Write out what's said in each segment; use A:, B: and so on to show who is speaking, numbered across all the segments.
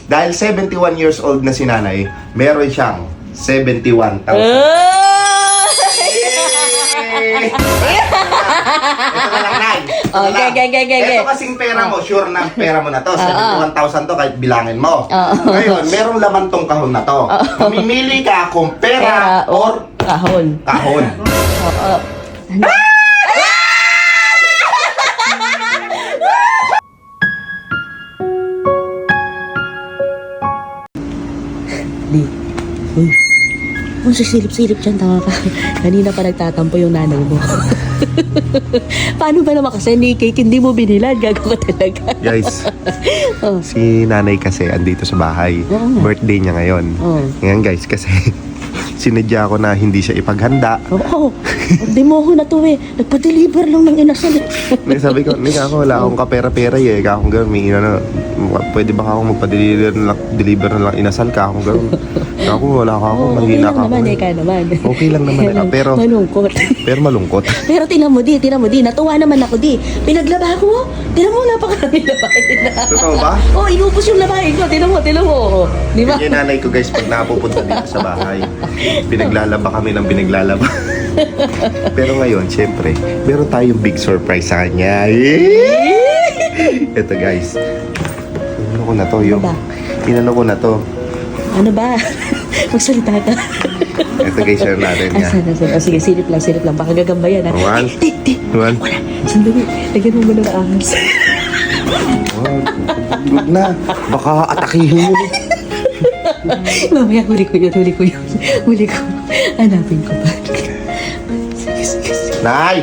A: dahil 71 years old na si nanay, meron siyang 71,000. Ito na lang, Nay. Ito kasing pera mo, sure na pera mo na to. 71,000 to kahit bilangin mo. Ngayon, merong laman tong kahon na to. Mamimili ka kung pera or
B: kahon.
A: Kahon.
B: Di. Uy. Kung sisilip-silip dyan, tanga ka. Kanina pa nagtatampo yung nanay mo. Paano ba naman kasi ni cake hindi mo binilan? Gago ka talaga.
A: Guys, si nanay kasi andito sa bahay. Birthday niya ngayon. Ngayon guys, kasi sinadya ko na hindi siya ipaghanda.
B: Oo. Hindi mo ako na to eh. Nagpa-deliver lang ng inasal.
A: Sabi ko, ako wala akong kapera-pera eh. Akong gano'n, may pwede ba akong magpa-deliver na lang inasal ka akong gano'n. Ako wala ka ako, mahina ka ako. Okay lang naman eh. Pero
B: malungkot.
A: Pero malungkot.
B: Pero tinan mo di. Natuwa naman ako di. Pinaglaba ko. Tinan mo, napakaraming labahin na.
A: Totoo ba?
B: Inubos yung labahin ko. Tinan mo. Di ba?
A: Yung nanay ko guys, pag napupunta dito sa bahay, pinaglalaba kami ng pinaglalaba. Pero ngayon, syempre, meron tayong big surprise sa kanya. Ito guys. Inano ko na to. Inano ko na to.
B: Ano ba? Magsalita ka.
A: Ito guys, share natin niya.
B: Sige, silip lang. Baka gagamba yan.
A: One.
B: Wala. Sandali. Lagyan mo muna ng ahas.
A: Good na. Baka atakihin mo.
B: Mamaya, huli ko yun. Hanapin ko pa. Sige.
A: Nay!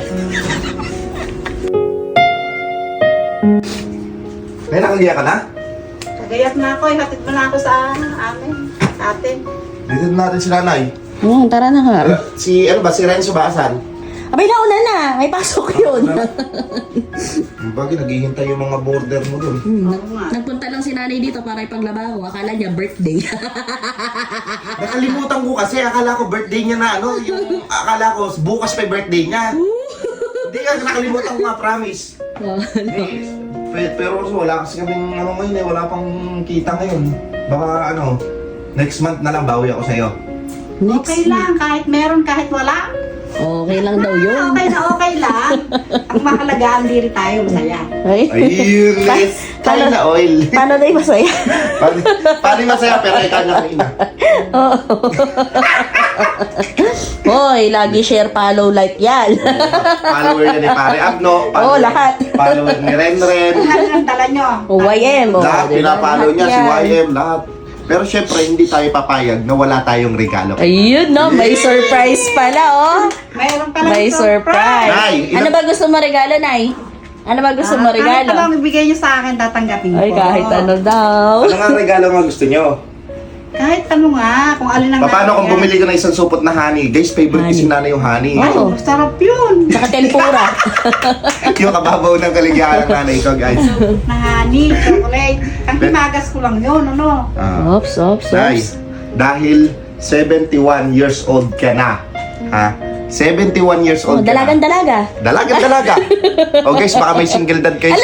A: Nay, nakaliya ka na?
C: Nagayat na ako, hatid mo na ako sa amin, ate.
A: Dito natin si nanay.
B: Tara na nga.
A: Si Renzo ba asan?
B: Abay, nauna na. May pasok yun.
A: Bagay, naghihintay yung mga border mo dun.
B: Nagpunta lang si nanay dito para ipaglaba ko. Akala niya birthday.
A: Nakalimutan ko kasi, akala ko birthday niya na akala ko bukas pa yung birthday niya. Hindi ka, nakalimutan ko nga, promise. Pero wala kasi kaming ngayon eh, wala pang kita ngayon. Baka next month na lang bawi ako sa'yo.
C: Okay lang, kahit meron, kahit wala.
B: Okay lang daw yun.
C: Okay lang. Ang mahalaga, ang diri tayo, masaya.
A: Ayun, tayo na oil.
B: Paano na yung masaya?
A: Paano yung masaya pero ikaw na kaina?
B: Hoy, lagi share, follow, like yan.
A: Follower niya ni Pare Abno.
B: Lahat.
A: Follower ni Renren.
C: Ano ang dala nyo?
B: YM.
A: Lahat, pinapalo niya, si
B: Lahat yan.
A: YM, lahat. Pero syempre, hindi tayo papayag na wala tayong regalo.
B: Ayun, no? May surprise pala,
C: Mayroon palang
B: May surprise.
A: Nay,
B: Ano ba gusto mo regalo, Nay? Ano ba gusto mo regalo?
C: Kahit anong ibigay nyo sa akin, tatanggapin ko.
B: Ay, kahit ano daw.
A: Ano nga regalo nga gusto nyo?
C: Kahit ano nga, kung alin ang
A: Paano kung bumili ka ng isang supot na honey? Guys, favorite kasi nanay yung honey.
C: Ay,
B: Oo.
C: sarap yun.
B: Saka tempura.
A: Yung kababaw ng kaligayahan ng nanay ko, guys.
C: Na honey, chocolate. Ang himagas ko lang yun, ano?
B: Ops.
A: Nay, dahil 71 years old ka na, ha? 71 years old ka na.
B: Dalaga.
A: Dalaga. O guys, baka may single dad kayo.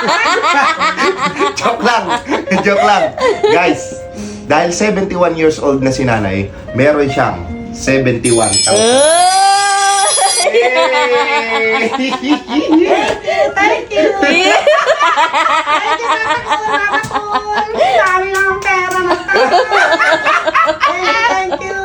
A: Joke lang. Guys, dahil 71 years old na si nanay, meron siyang 71,000.
C: Thank you. Dami lang ang pera na Thank you.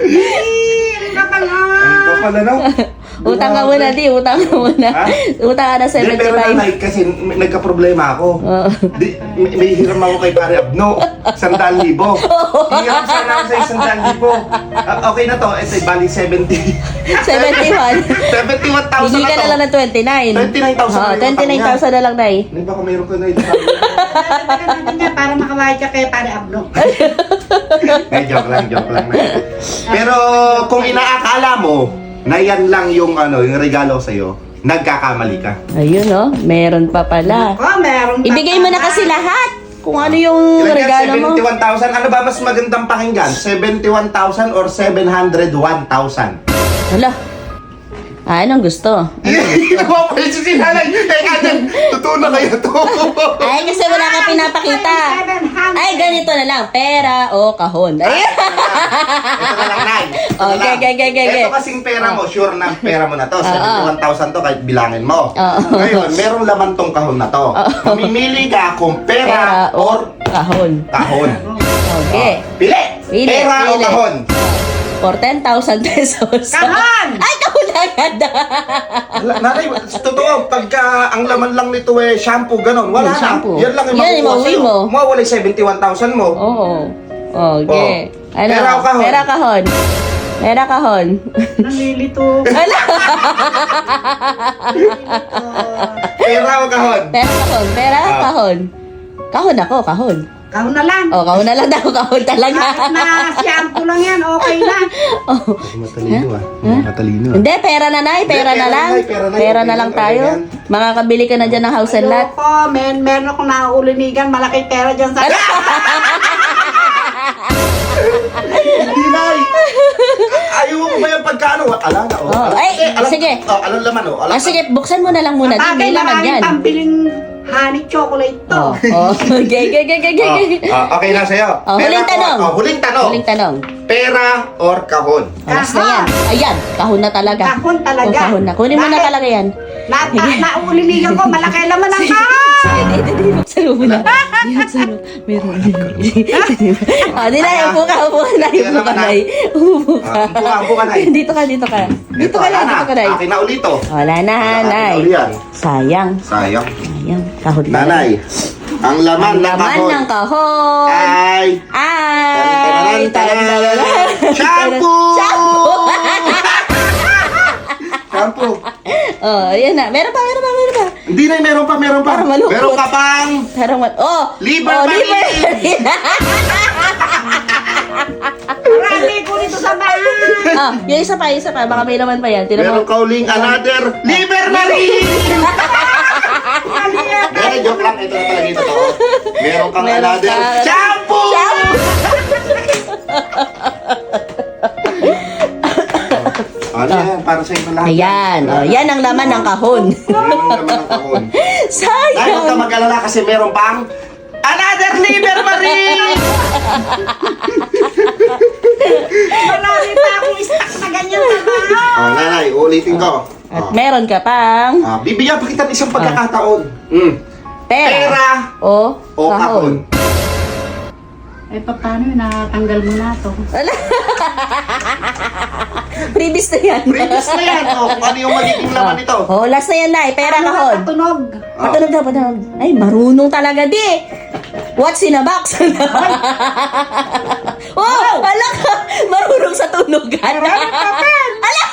A: Ang kapal na.
B: Utang ka muna, di. Utang ka muna.
A: Ha?
B: Utang ka na
A: Pero
B: 75.
A: nanay, kasi nagka-problema ako. May hiram ako kay Pare Abno. 100,000. Hiram sana ako sa 100,000. Okay na to. Ito, bali 70.
B: 71.
A: 71,000
B: Hindi
A: na
B: ka
A: to.
B: na lang ng 29.
A: 29,000
B: 29,000 na lang, Nay.
A: Hindi baka mayroon ka na ito.
C: Para makawahid ka kay Pare Abno.
A: Joke lang. Pero kung inaakala mo na yan lang yung regalo sa'yo, nagkakamali ka.
B: Ayun, no? Meron pa pala.
C: Meron pa.
B: Ibigay mo na kasi lahat. Kung ano yung regalo mo.
A: 71,000. Ano ba mas magandang pakinggan? 71,000 or 701,000?
B: Hala. Anong gusto?
A: Napapalit si nanay. Teka dyan. Totoo na kayo to.
B: Ay, kasi wala ka pinapakita. Ay, ganito. ganito na lang, pera o kahon. Ay,
A: Ito na lang, Nay. Ito na
B: Okay,
A: lang.
B: okay.
A: Ito kasing pera mo, sure na pera mo na to.
B: Oo.
A: 71,000 to kahit bilangin mo.
B: Oo.
A: Ngayon, merong laman tong kahon na to. Mamimili ka kung pera or
B: kahon.
A: kahon.
B: Okay.
A: Pili!
B: Pili,
A: Pera o
B: pili.
A: kahon?
B: For 10,000 pesos.
C: Kahon!
B: Ay, kahon agad.
A: Nanay, totoo, pagka ang laman lang nito shampoo, ganon, wala
B: Yung shampoo.
A: na. Yan lang yung
B: Yan,
A: makukuha
B: mauwi
A: sa'yo.
B: mo.
A: Mawawala yung 71,000 mo.
B: Oo. Okay.
A: Oh.
B: Ano?
A: Pera o kahon?
B: Pera kahon. Pera kahon.
C: Nalilito.
B: Ala.
A: Pera o kahon?
B: Pera kahon. Pera kahon. Kahon ako, kahon.
C: Kahon na lang.
B: Oh, kahon na lang daw, kahon talaga.
C: Kahit na shampoo lang yan, okay na.
B: Oh.
A: Matalino Matalino
B: Hindi, pera na, Nay. Pera
A: Hindi,
B: na
A: pera
B: lang.
A: na, pera na.
B: Pera
A: Okay
B: na lang
A: yan,
B: tayo.
A: okay yan.
B: Makakabili ka na dyan ng house and lot.
C: Ayoko, meron akong nauulinigan, malaking pera dyan sa...
A: Hindi, Nay. Ayaw mo ba yung pagkano? Ala na, oh.
B: Oh, ay, sige.
A: Alam laman, oh. Alam.
B: Ah, sige, buksan mo na lang muna. Di,
C: Bagay
B: may
C: na
B: laman
C: maraming
B: yan.
C: pambiling honey chocolate to.
B: Oh, oh. Okay.
A: Okay na sa'yo.
B: Oh, huling
A: Pera
B: tanong.
A: or- huling tanong.
B: Huling tanong.
A: Pera or kahon?
B: Alas na yan. Ayan, kahon na talaga.
C: Kahon talaga.
B: Oh, kahon na. Kunin mo na
C: Bakit?
B: talaga yan.
C: Nauulinigan ko, malaki naman ang kahon.
B: Sige, di, buksan mo muna. Di, buksan mo. Meron. Ah, di na, upo ka, Nay. Upo ka, Nay. Upo ka.
A: Upo ka, Nay.
B: Dito ka. Dito ka
A: wala
B: lang,
A: na.
B: dito ka, Nay.
A: Akin na ulit, oh.
B: Wala na,
A: Akin
B: Nay.
A: na uli yan.
B: Sayang.
A: Sayang.
B: Kahon talaga.
A: Nanay, ang laman
B: Ang
A: ng
B: laman
A: kahon
B: ng kahon.
A: ay
B: Ay!
A: Taran-taran-taran. Shampoo! Shampoo!
B: Oh, ayan na. Meron pa.
A: Hindi na, meron pa.
B: Parang malungkot.
A: Meron ka pang
B: Oh!
A: Liver
B: oh,
A: Marie.
B: liver.
C: Marami ko dito sa bahay.
B: Ah, yung isa pa. Baka may naman pa yan. Tinan
A: meron
B: mo.
A: ka uling another Liver Marie! Pero joke lang, ito na talaga ito to. Meron kang
B: Meron
A: another
B: ka-
A: shampoo! Ano yan? Para sa inyo lahat.
B: Ayan. Oh, yan ang laman ng kahon.
A: Yan ang laman ng kahon. Dahil huwag ka
B: Sayang.
A: mag-alala kasi meron pang another Liver Marie!
C: Marami pa akong stock na ganyan sa bahay.
A: Oh, nanay, ulitin ko.
B: At meron ka pang
A: Bibigyan pa kita ng isang pagkakataon. Pera
B: o
A: o kahon.
C: Eh, paano yun? Natanggal mo na to.
B: Previous na yan.
A: Previous na yan. O, kung ano yung magiging laman nito.
B: Oh, last na yan, Nay. Pera
C: Ano
B: kahon.
C: Patunog.
B: Patunog daw. Ay, marunong talaga, di. What's in a box? Oh, ala ka. Marunong sa tunugan. Ala.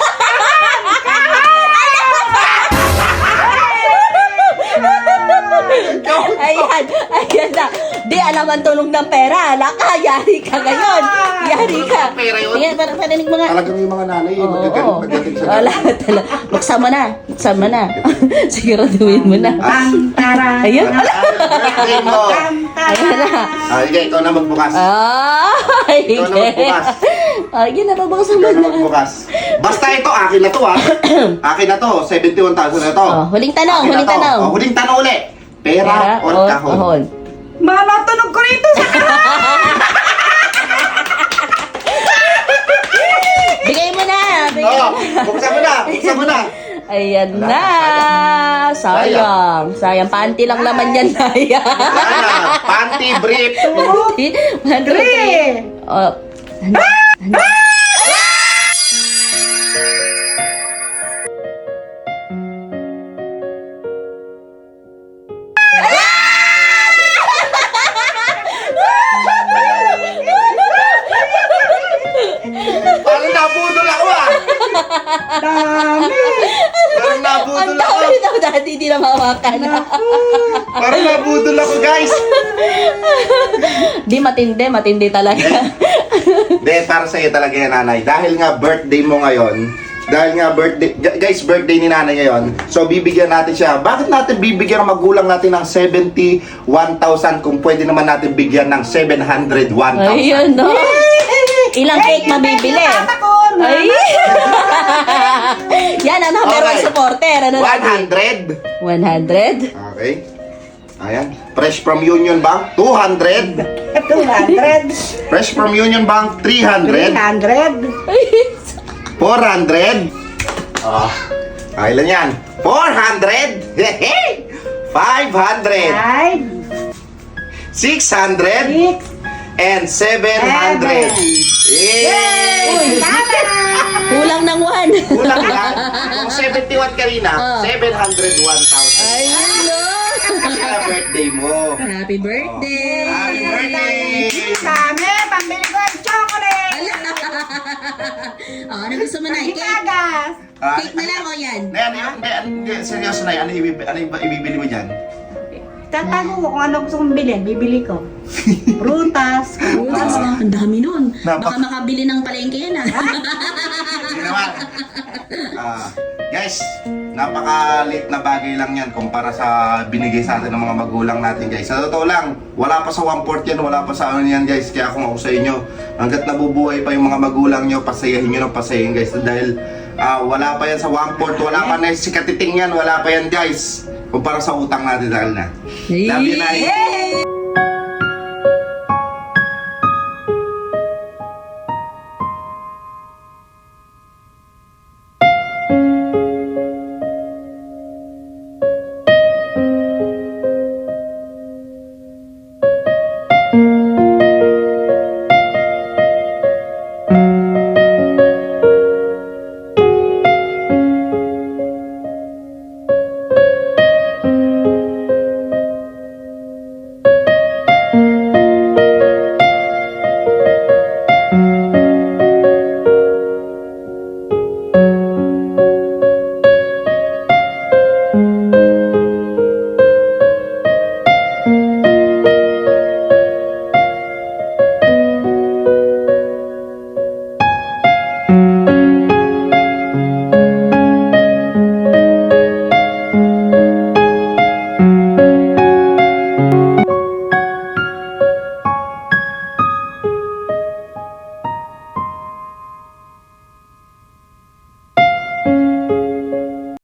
B: Ayan na. Di, alam ang tunog ng pera. Ala ka, yari ka ngayon. Yari ka.
A: Pera yun?
B: Ayan, parinig mo nga.
A: Talagang yung mga nanay,
B: Oo.
A: magagaling pagdating sa
B: Wala talaga. Buksan mo na. Siguraduhin mo na.
C: Tara.
B: Ayun.
A: Birthday mo.
B: Ayan na.
A: Sige, ikaw na magbukas.
B: Ay,
A: Ikaw na magbukas.
B: Ayun na, babaksan mo
A: Ikaw na
B: na.
A: magbukas. Basta ito, akin na to Akin na to, 71,000 na to.
B: Oh, huling tanong,
A: Akin na
B: huling
A: to.
B: tanong.
A: Oh, huling tanong uli. Pera or kahon?
C: Manatunog ko rito sa
B: Bigay mo na.
A: Oh, buksan mo na.
B: Ayan na. Sayang. Panty lang naman yan, Naya.
A: Wala, panty brief.
B: Three. Oh.
A: Parang nabudol ako
C: dami.
A: Parang nabudol
B: Ang
A: ako.
B: dami daw dati, hindi na mawakan.
A: Parang nabudol ako, guys.
B: Di, matindi talaga.
A: Hindi, para sa'yo talaga yan, nanay. Dahil nga birthday mo ngayon, birthday ni nanay ngayon, so bibigyan natin siya. Bakit natin bibigyan ang magulang natin ng 71,000 kung pwede naman natin bigyan ng 701,000?
B: Ayun, no? Ilang cake mabibili? Ay! Yan, ano, meron
A: Okay.
B: supporter. Ano
A: 100?
B: 100?
A: Okay. Ayan. Fresh from Union Bank, 200.
C: 200.
A: Fresh from Union Bank, 300.
C: 300.
A: 400. Ah, ilan yan? 400. Hey! 500. 600.
C: 6.
A: And 700. Yay!
B: Kulang ng 1.
A: Kulang lang. Kung 71 kanina, 701,000.
B: Ay, no!
A: Kasi na birthday mo.
B: Happy birthday!
A: Happy birthday!
C: Kami, pambili ko ng chocolate.
B: Ano gusto mo na? Cake?
C: Gagas.
B: Cake na lang o yan?
A: Seryoso na, ano ibibili mo dyan?
C: Tatago ko kung ano gusto kong bilhin, bibili ko. Prutas.
B: Prutas, ang dami nun.
A: Napak-
B: Baka makabili ng palengke yan ah.
A: Sige naman. Guys, napakalit na bagay lang yan kumpara sa binigay sa atin ng mga magulang natin guys. Sa totoo lang, wala pa sa 1/4 yan, wala pa sa ano yan guys. Kaya kung ako sa inyo, hanggat nabubuhay pa yung mga magulang nyo, pasayahin nyo ng pasayahin guys. Dahil wala pa yan sa 1/4, wala pa na si katiting yan, wala pa yan guys. Kumpara sa utang natin dahil na. Love you, Nay.